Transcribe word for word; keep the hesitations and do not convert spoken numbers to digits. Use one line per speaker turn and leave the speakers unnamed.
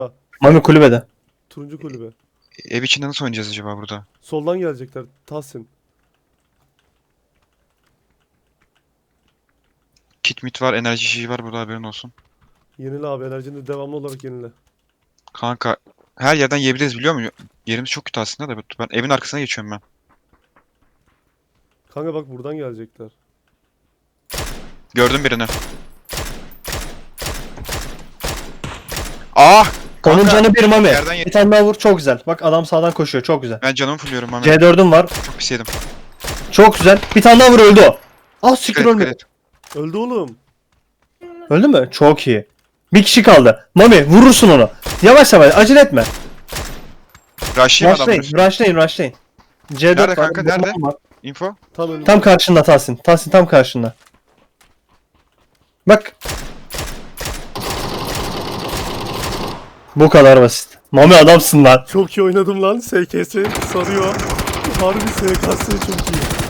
Mami kulübede.
Turuncu kulübe.
Ev içinde nasıl oynayacağız acaba burada?
Soldan gelecekler. Tahsin.
Kit mit var, enerji şişi var burada, haberin olsun.
Yenile abi, enerjini devamlı olarak yenile.
Kanka her yerden yiyebiliriz, biliyor musun? Yerimiz çok kötü aslında da ben evin arkasına geçiyorum ben.
Kanka bak buradan gelecekler.
Gördüm birini. Ah!
Onun
Kanka,
canı bir Mami.
yerden ye-
Bir tane daha vur, çok güzel. Bak adam sağdan koşuyor, çok güzel.
Ben canımı fulluyorum Mami.
C dörd'üm var.
Çok pis yedim.
Çok güzel. Bir tane daha vur, öldü o. Ah siktir,
Dikkat et, dikkat
ölmedi.
et.
Öldü oğlum.
Öldü mü? Çok iyi. Bir kişi kaldı. Mami vurursun onu. Yavaş yavaş, acele etme.
Rush'layayım adamları.
Rushlayın, rushlayın, rushlayın. C dört
Nerede
var,
kanka,
bomba
nerede?
var.
Info.
Tam önünde.
Tam karşında Tahsin. Tahsin tam karşında. Bak. Bu kadar basit. Mami adamsın lan.
Çok iyi oynadım lan. S K S sarıyor. Harbi S K S çok iyi.